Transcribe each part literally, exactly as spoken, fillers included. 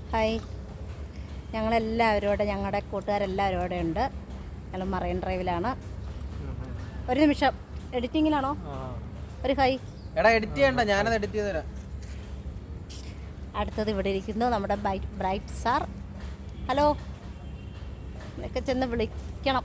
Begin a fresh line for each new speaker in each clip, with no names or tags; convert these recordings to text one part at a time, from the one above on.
Hi, ഞങ്ങളെല്ലാവരും ഇവിടെ, ഞങ്ങളുടെ കൂട്ടുകാരെല്ലാവരും ഇവിടെ ഉണ്ട്. ഞങ്ങൾ മറൈൻ ഡ്രൈവിലാണ്. ഒരു നിമിഷം, എഡിറ്റിങ്ങിലാണോ? ഒരു ഹായ്.
എടാ എഡിറ്റ് ചെയ്യണ്ട, ഞാനത് എഡിറ്റ് ചെയ്ത് തരാം.
അടുത്തത് ഇവിടെ ഇരിക്കുന്നു നമ്മുടെ ബ്രൈറ്റ് സാർ. ഹലോ, എന്നൊക്കെ ചെന്ന് വിളിക്കണം.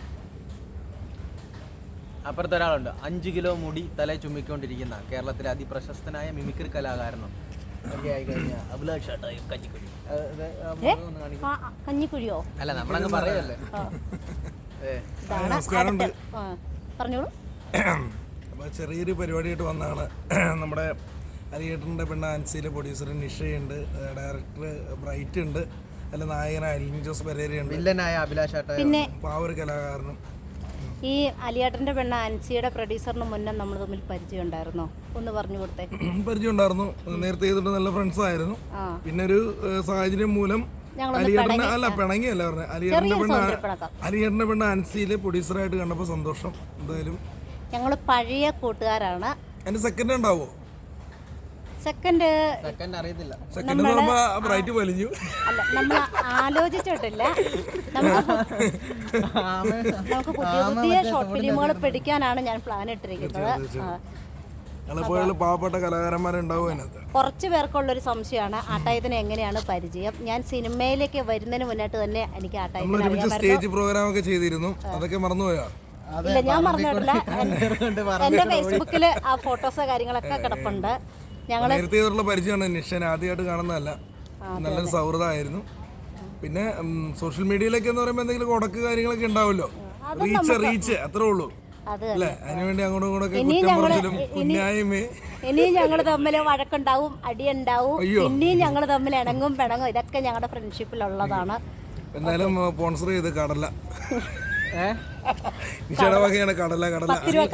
അപ്പുറത്ത് ഒരാളുണ്ട്, അഞ്ചു കിലോ മുടി തല ചുമ്മിക്കൊണ്ടിരിക്കുന്ന കേരളത്തിലെ അതിപ്രശസ്തനായ മിമിക്രി കലാകാരനും ഒക്കെ ആയി കഴിഞ്ഞ അഭിലാഷ് ഏട്ടായി കഞ്ഞിക്കുഴി.
കഞ്ഞിക്കുഴിയോ?
അല്ല, നമ്മളങ്ങ് പറയല്ലേ.
പറഞ്ഞോളൂ.
അപ്പോൾ ചെറിയൊരു പരിപാടിയായിട്ട് വന്നതാണ്. നമ്മുടെ അരിയേട്ടൻ്റെ പെണ്ണ ആൻസിയിലെ പ്രൊഡ്യൂസർ നിഷയുണ്ട്, ഡയറക്ടർ ബ്രൈറ്റ് ഉണ്ട്, അല്ല നായകനായ അലിൻ ജോസ് പെരേരയുണ്ട്,
വില്ലനായ അഭിലാഷ് ഏട്ടായി,
പിന്നെ
പാവൊരു കലാകാരനും.
ഈ അലിയേട്ടൻ്റെ പെണ്ണ ആൻസിയുടെ പ്രൊഡ്യൂസറിന് മുന്നേ നമ്മൾ തമ്മിൽ പരിചയം ഉണ്ടായിരുന്നോ? ഒന്ന് പറഞ്ഞു കൊടുത്തേ. പരിചയം
ഉണ്ടായിരുന്നു, നേരത്തെ ചെയ്തിട്ട് നല്ല ഫ്രണ്ട്സ് ആയിരുന്നു. പിന്നെ ഒരു സാഹചര്യം മൂലം അലിയേട്ടൻ്റെ അല്ല പിണങ്ങിയല്ല പറഞ്ഞത്, അലിയേട്ടൻ്റെ പെണ്ണ അലിയേട്ടൻ്റെ പെണ്ണ ആൻസിയിലെ പ്രൊഡ്യൂസറായിട്ട് കണ്ടപ്പോൾ സന്തോഷം. എന്തായാലും
ഞങ്ങൾ പഴയ കൂട്ടുകാരാണ്.
അതിന്റെ സെക്കൻഡ് ഉണ്ടാവോ?
സെക്കൻഡ്
സെക്കൻഡ് അറിയത്തില്ല.
സെക്കൻഡ് ബ്രൈറ്റ് വലിഞ്ഞു.
അല്ല, നമ്മൾ ആലോചിച്ചിട്ടില്ല. നമുക്ക് പുതിയ പുതിയ ഷോർട്ട് ഫിലിമുകൾ പിടിക്കാനാണ് ഞാൻ പ്ലാൻ ഇട്ടിരിക്കുന്നത്.
പാവപ്പെട്ട കലാകാരന്മാരുണ്ടാവും അതിനകത്ത്.
കുറച്ച് പേർക്കുള്ളൊരു സംശയമാണ് ആട്ടായത്തിന് എങ്ങനെയാണ് പരിചയം. ഞാൻ സിനിമയിലേക്ക് വരുന്നതിന് മുന്നായിട്ട് തന്നെ എനിക്ക് ആട്ടായത്തിന്
സ്റ്റേജ് പ്രോഗ്രാം ഒക്കെ ചെയ്തിരുന്നു, അതൊക്കെ മറന്നുപോയാ?
ഇല്ല, ഞാൻ മറന്നിട്ടില്ല. എന്റെ ഫേസ്ബുക്കില് ആ ഫോട്ടോസോ കാര്യങ്ങളൊക്കെ കിടപ്പുണ്ട്. ഞങ്ങള്
നേരത്തെ പരിചയമാണ്. നിഷൻ ആദ്യമായിട്ട് കാണുന്നതല്ല, നല്ലൊരു സൗഹൃദമായിരുന്നു. പിന്നെ സോഷ്യൽ മീഡിയയിലൊക്കെ എന്ന് പറയുമ്പോൾ എന്തെങ്കിലും ഉടക്ക് കാര്യങ്ങളൊക്കെ ഉണ്ടാവുമല്ലോ, റീച്ച് റീച്ച് അത്രേ ഉള്ളൂ അല്ലേ? അതിനുവേണ്ടി അങ്ങോട്ടും ഇങ്ങോട്ടൊക്കെ
ഇനിയും ഞങ്ങൾ തമ്മിൽ വഴക്കുണ്ടാവും, അടിയുണ്ടാവും, ഇനിയും ഞങ്ങൾ തമ്മിൽ ഇണങ്ങും പിണങ്ങും. ഇതൊക്കെ ഞങ്ങളുടെ ഫ്രണ്ട്ഷിപ്പിലുള്ളതാണ്.
എന്തായാലും സ്പോൺസർ ചെയ്ത് കടല നിഷയുടെ വകയാണ് കടല. കടല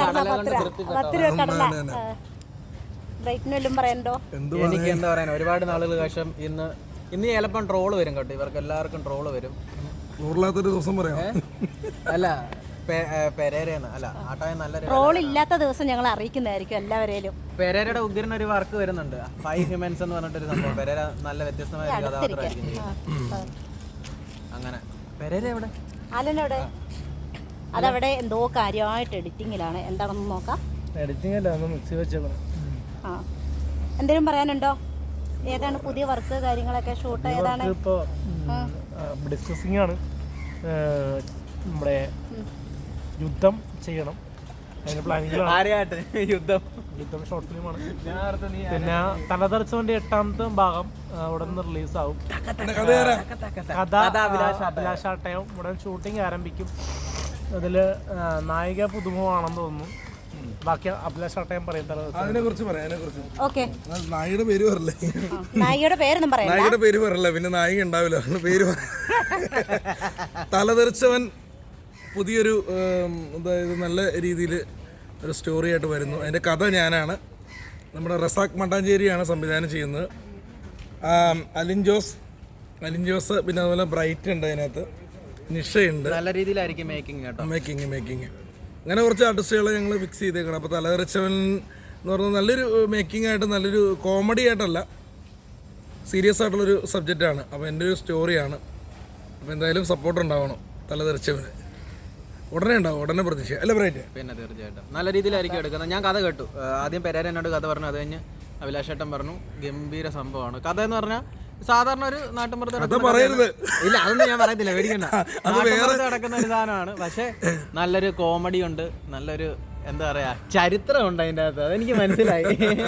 എനിക്ക് എന്താ പറയാൻ, ഒരുപാട് നാളുകൾ ശേഷം ഇന്ന് ഇന്ന് ചിലപ്പം ട്രോള് വരും കേട്ടോ. ഇവർക്ക് എല്ലാവർക്കും ട്രോള് വരും.
ട്രോളില്ലാത്തൊരു ദിവസം പറയാം.
അല്ല, പെരേരയെന്ന് അല്ല, ആട്ടായ നല്ല
ട്രോൾ ഇല്ലാത്ത ദിവസം ഞങ്ങൾ അറിയിക്കുന്നതായിരിക്കും എല്ലാവരെയും.
പെരേരയുടെ ഉഗ്രൻ ഒരു വർക്ക് വരുന്നുണ്ട്, ഫൈവ് ഹ്യൂമൻസ് എന്ന് പറഞ്ഞിട്ടൊരു സംഭവം. പെരേര നല്ല വ്യത്യസ്തമായ ഒരു കഥാപാത്രമായിരിക്കും. അങ്ങനെ പെരേര എവിടെ?
ആലനോടെ അതവിടെ എന്തോ കാര്യമായിട്ട് എഡിറ്റിങ്ങിലാണ്. എന്താണെന്ന് നോക്കാം.
എഡിറ്റിംഗ് അല്ല, മിക്സി വെച്ചേക്കണം.
ആ, എന്തെങ്കിലും പറയാനുണ്ടോ? ഏതാണ് പുതിയ വർക്ക് കാര്യങ്ങളൊക്കെ? ഷൂട്ട് ഏതാണ്?
ഇപ്പോൾ ഡിസ്കസിംഗ് ആണ്. നമ്മുടെ യുദ്ധം ചെയ്യണം, അതിന് പ്ലാനിങ്ങിലാണ്. യുദ്ധം യുദ്ധം ഷോർട്ട് ഫിലിമാണ്. പിന്നെ തലതെറിച്ചവന്റെ എട്ടാമത്തെ ഭാഗം ഉടൻ റിലീസാവും. കഥ അഭിലാഷാട്ടയം ഉടൻ ഷൂട്ടിംഗ് ആരംഭിക്കും. അതിൽ നായിക പുതുമുഖമാണെന്ന് തോന്നുന്നു. ബാക്കി അഭിലാഷാട്ടയം പറയും.
അതിനെ കുറിച്ച് പറയാം.
ഓക്കെ,
നായികയുടെ പേര് പറയല്ലേ?
നായികയുടെ പേരൊന്നും പറയാം.
നായികയുടെ പേര് പറയല്ല, പിന്നെ നായിക ഉണ്ടാവില്ല. പേര് തലതെറിച്ചവൻ പുതിയൊരു അതായത് നല്ല രീതിയിൽ ഒരു സ്റ്റോറി ആയിട്ട് വരുന്നു. അതിൻ്റെ കഥ ഞാനാണ്, നമ്മുടെ റസാഖ് മട്ടാഞ്ചേരിയാണ് സംവിധാനം ചെയ്യുന്നത്. അലിൻ ജോസ് അലിൻ ജോസ് പിന്നെ അതുപോലെ ബ്രൈറ്റ് ഉണ്ട്, അതിനകത്ത് നിഷയുണ്ട്.
നല്ല രീതിയിലായിരിക്കും മേക്കിംഗ് കേട്ടോ.
മേക്കിംഗ് മേക്കിംഗ് അങ്ങനെ കുറച്ച് ആർട്ടിസ്റ്റുകളെ ഞങ്ങൾ ഫിക്സ് ചെയ്തേക്കണം. അപ്പോൾ തലതെറിച്ചവൻ എന്ന് പറഞ്ഞാൽ നല്ലൊരു മേക്കിംഗ് ആയിട്ട്, നല്ലൊരു കോമഡി ആയിട്ടല്ല, സീരിയസ് ആയിട്ടുള്ളൊരു സബ്ജക്റ്റാണ്. അപ്പോൾ എൻ്റെ ഒരു സ്റ്റോറിയാണ്. അപ്പോൾ എന്തായാലും സപ്പോർട്ട് ഉണ്ടാവണം തലതെറിച്ചവന്. ഉടനെ ഉണ്ടാവും, ഉടനെ പ്രതീക്ഷ അല്ല ബ്രൈറ്റ്?
പിന്നെ തീർച്ചയായിട്ടും നല്ല രീതിയിലായിരിക്കും എടുക്കുന്നത്. ഞാൻ കഥ കേട്ടു. ആദ്യം പെരേര എന്നോട് കഥ പറഞ്ഞു, അത് കഴിഞ്ഞ് അഭിലാഷേട്ടൻ പറഞ്ഞു ഗംഭീര സംഭവമാണ്. കഥ എന്ന് പറഞ്ഞാൽ സാധാരണ ഒരു നാട്ടുമ്പുറത്ത് ഇല്ല, അതൊന്നും ഞാൻ പറയത്തില്ല, പേടിക്കണ്ട. നാട്ടുമ്പുറത്ത് നടക്കുന്ന ഒരു സാധനമാണ്. പക്ഷെ നല്ലൊരു കോമഡി ഉണ്ട്, നല്ലൊരു എന്താ പറയാ ചരിത്രമുണ്ട് അതിൻ്റെ അകത്ത്. അതെനിക്ക് മനസ്സിലായി.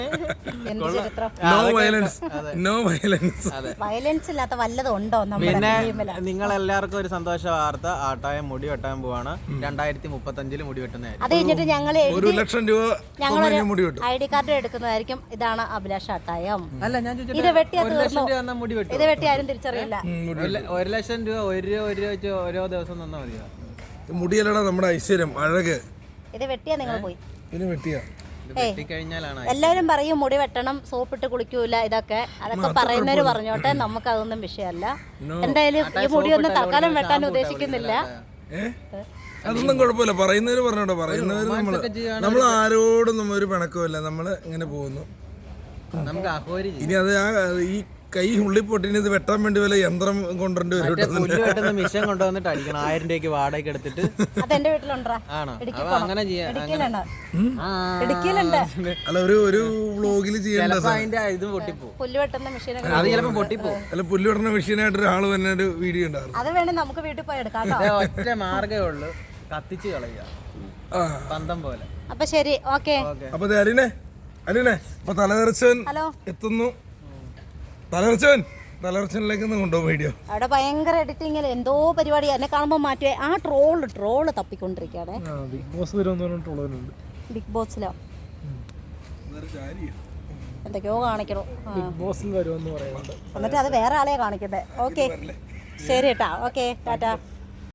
പിന്നെ നിങ്ങൾ എല്ലാവർക്കും ഒരു സന്തോഷ വാർത്ത, ആട്ടായം മുടി വെട്ടാൻ പോവാണ്. രണ്ടായിരത്തി മുപ്പത്തി അഞ്ചില് മുടി വെട്ടുന്നതായിരിക്കും.
അത് കഴിഞ്ഞിട്ട് ഞങ്ങൾ
ഒരു ലക്ഷം രൂപ
ഐ ഡി കാർഡ് എടുക്കുന്നതായിരിക്കും. ഇതാണ് അഭിലാഷ് ആട്ടായം.
അല്ല, ഞാൻ
ഇത് വെട്ടിയാ
ഒരു ലക്ഷം രൂപ മുടി വെട്ടും.
ഇത് വെട്ടി ആരും തിരിച്ചറിയില്ല.
ഒരു ലക്ഷം രൂപ ഒരു രൂപ ഒരു രൂപ വെച്ച് ഓരോ ദിവസം തന്നാ മതിയോ?
മുടിയല്ലടാ നമ്മുടെ ഐശ്വര്യം, അഴക്.
ഇത് വെട്ടിയാ നിങ്ങൾ പോയി.
വെട്ടിക്കഴിഞ്ഞാലാണ്
എല്ലാവരും പറയും മുടി വെട്ടണം, സോപ്പിട്ട് കുളിക്കൂല, ഇതൊക്കെ അതൊക്കെ പറയുന്നവര് പറഞ്ഞോട്ടെ, നമുക്ക് അതൊന്നും വിഷയമല്ല. എന്തായാലും ഈ മുടിയൊന്നും തൽക്കാലം വെട്ടാൻ ഉദ്ദേശിക്കുന്നില്ല.
അതൊന്നും കുഴപ്പമില്ല, പറയുന്നവര് പറഞ്ഞോട്ടെ. പറയുന്നവര് നമ്മള് നമ്മൾ ആരോടും നമ്മ ഒരു പിണക്കമില്ല, നമ്മള് ഇങ്ങനെ പോകുന്നു.
നമുക്ക്
ഇനി അത് ആ ഈ കൈ ഉള്ളി പൊട്ടിന് ഇത് വെട്ടാൻ വേണ്ടി വല്ല യന്ത്രം കൊണ്ടുവരേണ്ടി വരും കേട്ടോ.
പുല്ല് വെട്ടുന്ന മിഷൻ കൊണ്ടുവന്നിട്ട് അടിക്കണം ആയിരം രൂപയ്ക്ക് വാടകയ്ക്ക് എടുത്തിട്ട്.
അതെന്റെ വീട്ടിലുണ്ടാ.
ആണോ അപ്പൊ അങ്ങനെ ചെയ്യാം.
ഇടുക്കിയിലുണ്ട്. ഇടുക്കിയിലുണ്ട്.
അല്ല ഒരു ഒരു വ്ളോഗിൽ ചെയ്യേണ്ട
ചിലപ്പോ അതിന്റെ ഇത് പൊട്ടിപ്പോ,
പുല്ല് വെട്ടുന്ന മെഷീനൊക്കെ
അത് ചിലപ്പോ പൊട്ടിപ്പോ.
അല്ല പുല്ല് വെട്ടുന്ന മെഷീനായിട്ട് ഒരാൾ തന്നെ ഒരു വീഡിയോ ഉണ്ടായിരുന്നു.
അത് വേണേ നമുക്ക് വീട്ടിൽ പോയി എടുക്കാം കേട്ടോ.
ഇത് ഒറ്റ മാർഗമേ ഉള്ളൂ, കത്തിച്ച് കളയുക
ആ
പന്തം പോലെ.
അപ്പൊ ശരി, ഓക്കെ.
അപ്പൊ ദേ അലിനെ അലിനെ അപ്പൊ തലതെറിച്ചവൻ
ഹലോ.
എത്തുന്നു. തലതെറിച്ചവൻ തലതെറിച്ചവനിലേക്ക് ഒന്ന് കൊണ്ടുപോകും വീഡിയോ.
അവിടെ ഭയങ്കര എഡിറ്റിങ്ങിൽ എന്തോ പരിപാടി. എന്നെ കാണുമ്പോൾ മാറ്റുവേ. ആ ട്രോള് ട്രോള് തപ്പിക്കൊണ്ടിരിക്കുകയാണേ.
ബിഗ് ബോസ് വരുമെന്ന് പറഞ്ഞിട്ടുള്ളവരുണ്ട്.
ബിഗ് ബോസിലോ എന്തൊക്കെയോ കാണിക്കണോ. ആ.
ബിഗ് ബോസിൽ വരുമെന്ന് പറയുന്നുണ്ട്.
എന്നിട്ട് അത് വേറെ ആളെയാ കാണിക്കട്ടെ. ഓക്കെ ശരി കേട്ടാ. ഓക്കെ ടാറ്റാ.